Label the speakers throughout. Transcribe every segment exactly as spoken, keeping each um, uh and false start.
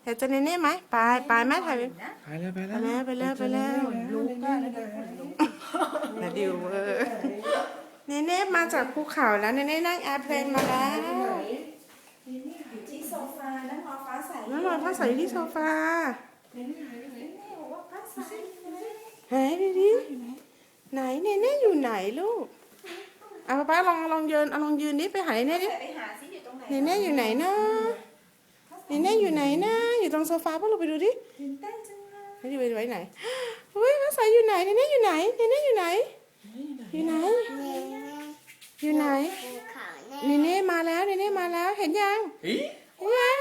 Speaker 1: อยากเจอเนเน่ไหมไปไปแม่ถ่ายไป
Speaker 2: ไปแล้วไป
Speaker 1: ไป
Speaker 2: แล้ว
Speaker 1: แล้วไปแล้วไปแล้ว
Speaker 2: ลูกก็ได้
Speaker 1: นาดิวเออเนเน่มาจากภูเขาแล้วเนเน่นั่งแอร์เพลนมาแล้ว
Speaker 3: อยู่ที่โซฟาแล้วรอฟ้าใส
Speaker 1: แล้วนอนพักใส่อยู่ที่โซฟา
Speaker 3: แม่บอกว่าฟ้าใสอยู่ไหน
Speaker 1: หายไปดิไหนเนเน่อยู่ไหนลูกเอาป้าลองลองยืนเอาลองยืนนี่ไปหาเนเน่ดิ
Speaker 3: ไปหาซิอยู่ตรงไหน
Speaker 1: เนเน่อยู่ไหนนะเนเน่อยู่ไหนนะอยู่ตรงโซฟาป้าเราไปดูดิ
Speaker 3: ตื่นเต้นจังเลย
Speaker 1: ให้ดูไปไว้ไหนเฮ้ยพักใส่อยู่ไหนเนเน่อยู่ไหนเนเน่อยู่ไหนอยู่ไหนอยู่ไหนเนเน่มาแล้วเนเน่มาแล้วเห็นยัง
Speaker 2: เฮ้ย
Speaker 1: เห็นยัง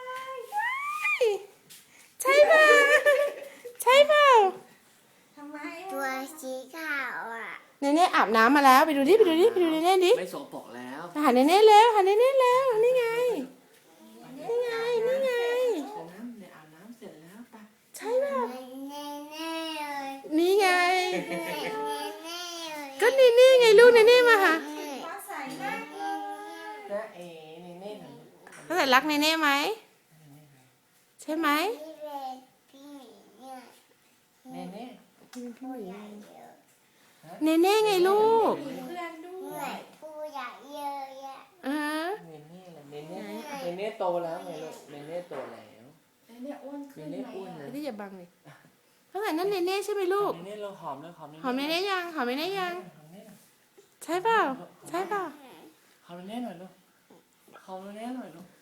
Speaker 1: ใช่เปล่าใช่เปล่า
Speaker 3: ทำไม
Speaker 4: ตัวสีขาวอ่ะ
Speaker 1: เนเน่อาบน้ำมาแล้วไปดูดิไปดูดิไปดูเนเน่ดิ
Speaker 2: ไม่สกปรกแล้ว
Speaker 1: หาเนเน่แล้วหาเนเน่แล้วนี่ไงนี่ไงนี่ไง
Speaker 2: อาบน้ำเนี่ยอาบน้ำเสร็จแล้วไป
Speaker 1: ใช่เปล่า
Speaker 4: เน่เน่เลย
Speaker 1: นี่ไง
Speaker 4: เน่เน่เลย
Speaker 1: ก็เนเน่ไงลูกเนเน่มาหา
Speaker 3: ฟ้าใสมากเลย
Speaker 2: จ้าเอ๋เนเน่หน่อย
Speaker 1: เขาใส่รักเนเน่ไหมใช่ไหม
Speaker 4: พี่เป็นพี่หมีเนี่ย
Speaker 2: เนเน่
Speaker 4: ผู้ใหญ่เยอะ
Speaker 1: เนเน่ไงลูก
Speaker 3: มีเพื่อนด้
Speaker 4: เห
Speaker 3: ว
Speaker 4: นื่อย ยผู้ใหญ่เยอะแยะ
Speaker 1: เออ
Speaker 2: เนเน่ล่ะเนเน่เนเน่โตแล้วไงลูกเนเน่โตแล้ว
Speaker 3: เนี่ยอ้วน
Speaker 2: เน
Speaker 3: ขึ้น
Speaker 2: เน่
Speaker 3: ไหม
Speaker 2: อ้วนเลย
Speaker 1: ที่อย่าบังเลยเขาใส่นั่นเนเน่ใช่ไหมลูก
Speaker 2: เนเน่เราหอมเลยหอม
Speaker 1: หอมเนเน่ยังหอมเนเน่ยัง
Speaker 2: หอมเนเน่
Speaker 1: ใช่เปล่าใช่เปล่า
Speaker 2: หอมเนเน่หน่อยลูกหอมเนเน่หน่อยลูก